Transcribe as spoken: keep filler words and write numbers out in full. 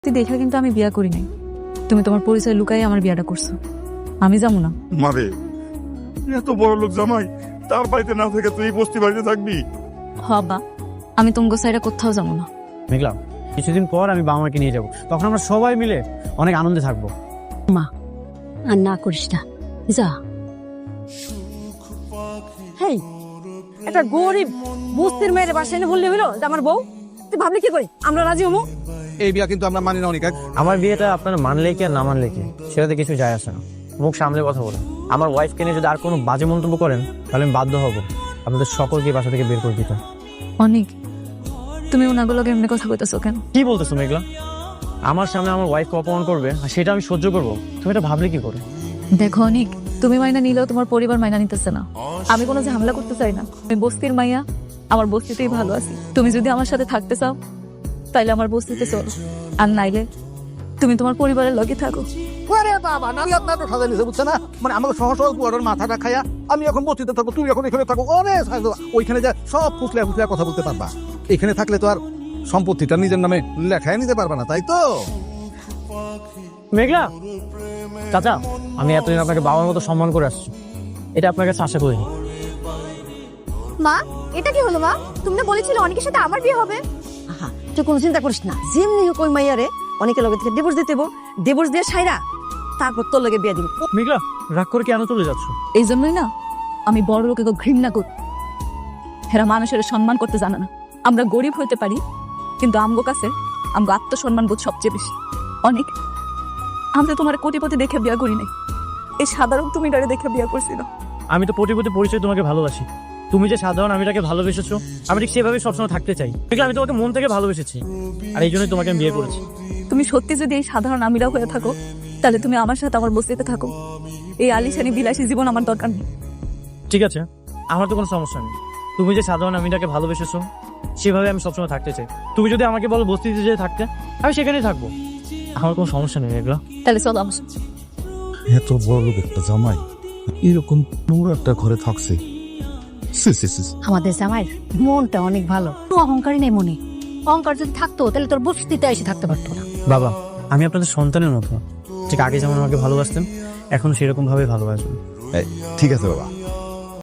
তুই দেখা কিন্তু আমি বিয়া করি নাই, তুমি তোমার পরিচয় লুকাই আমার বিয়াটা করছো। আমি যাবো না। মারে এত বড় লোক জামাই, তার বাড়িতে না থেকে তুই বস্তি বাড়িতে থাকবি? হবা, আমি তোমাকে সাইডে কোথাও যাবো না। মেঘলা, কিছুদিন পর আমি বাবা মাকে নিয়ে যাব, তখন আমরা সবাই মিলে অনেক আনন্দে থাকবো। মা আর না করিস না, যা। হেই, একটা গরিব বস্তির মেয়ের বাসায় এনে বললে হইলো যে আমার বউ, তুই ভাবলি কি করে আমরা রাজি হবো? এই বিয়া কিন্তু আমরা মানি না অনেক। আমার বিয়েটা আপনারা মানলে কি আর না মানলে কি, সেটাতে কিছু যায় আসে না। মুখ সামলে কথা বলেন। আমার ওয়াইফকে নিয়ে যদি আর কোনো বাজে মন্তব্য করেন তাহলে আমি বাধ্য হব আপনাদের সকলকে বাসা থেকে বের করে দিতে। অনেক, তুমি ওনাগুলোকে এমনি কথা কইতেছো কেন? কি বলতেছো মেঘলা? আমার সামনে আমার ওয়াইফকে অপমান করবে আর সেটা আমি সহ্য করবো? তুমি এটা ভাবলে কি করে? দেখো অনেক, তুমি মাইনা নিলেও তোমার পরিবার মাইনা নিতেছে না। আমি কোনো ঝামেলা করতে চাই না, আমি বস্তির মাইয়া, আমার বস্তিতেই ভালো আছি। তুমি যদি আমার সাথে থাকতে চাও তাইলে আমার বস্তিতে চলো, আর নাইলে তুমি তোমার পরিবারের লগে থাকো। আরে বাবা, আমি আপনার তো সাজা নিছে, বুঝছে না? মানে আমাকে সহজ সহজ পুয়ারের মাথাটা খাইয়া আমি এখন বস্তিতে থাকবো, তুমি এখন এখানে থাকো। অনেক সাজা, ওইখানে যা সব ফুসলে ফুসলে কথা বলতে পারবা। এখানে থাকলে তো আর সম্পত্তিটা নিজের নামে লেখায় নিতে পারবা না, তাই তো? মেঘলা চাচা, আমি এতদিন আপনাকে বাবার মতো সম্মান করে আসছি, এটা আপনার কাছে আশা করিনি। মা, এটা কি হলো মা? তুমি না বলেছিলে অনেকের সাথে আমার বিয়ে হবে? আহা, তুই কোনো চিন্তা করিস না, যেমনি হোক ওই মাইয়ারে অনেকের লগে থেকে ডিভোর্স দিতে হইবো, ডিভোর্স দিয়ে সাইরা তারপর তোর লগে বিয়ে দিবি। মেঘলা, রাগ করে কেন চলে যাচ্ছ? এই জন্যই না আমি বড় লোকে ঘৃণা করি। এরা মানুষের সম্মান করতে জানে না। আমরা গরিব হইতে পারি, কিন্তু আমগো কাছে আমগো আত্মসম্মান বোধ সবচেয়ে বেশি। অনেক, আমরা তোমার কোটিপতি দেখে বিয়া করি নাই, এই সাধারণ তুমি ডারে দেখে বিয়া করছি না। আমি তো কোটিপতি পরিচয় তোমাকে ভালোবাসি, তুমি যে সাধারণ আমি তাকে ভালোবেসেছো, আমি ঠিক সেভাবে সবসময় থাকতে চাই। মেঘলা, আমি তোমাকে মন থেকে ভালোবেসেছি আর এই জন্যই তোমাকে আমি বিয়ে করেছি। তুমি সত্যি যদি এই সাধারণ আমিরা হয়ে থাকো তাহলে তুমি আমার সাথে আমার বস্তিতে থাকো। এই আলিশানি বিলাসী জীবন আমার দরকার নেই। ঠিক আছে, আমার তো কোনো সমস্যা নেই। তুমি যে সাধারণ আমিটাকে ভালোবেসেছো সেভাবে আমি সবসময় থাকতে চাই। তুমি যদি আমাকে বলো বস্তিতে যে থাকতে, আমি সেখানেই থাকবো, আমার কোনো সমস্যা নেই। মেঘলা, তাহলে চলো আমার সাথে। এত বড় লোক একটা জামাই এরকম নোংরা একটা ঘরে থাকছে। সি, সি, সি, সি। আমাদের জামাই মনটা অনেক ভালো, কোনো অহংকারই নেই মনে। অহংকার যদি থাকতো তাহলে তোর বস্তিতে এসে থাকতে পারতো না। বাবা, আমি আপনাদের সন্তানের মতো, ঠিক আগে যেমন আমাকে ভালোবাসতেন এখন সেরকম ভাবে ভালোবাসবেন। এই, ঠিক আছে বাবা,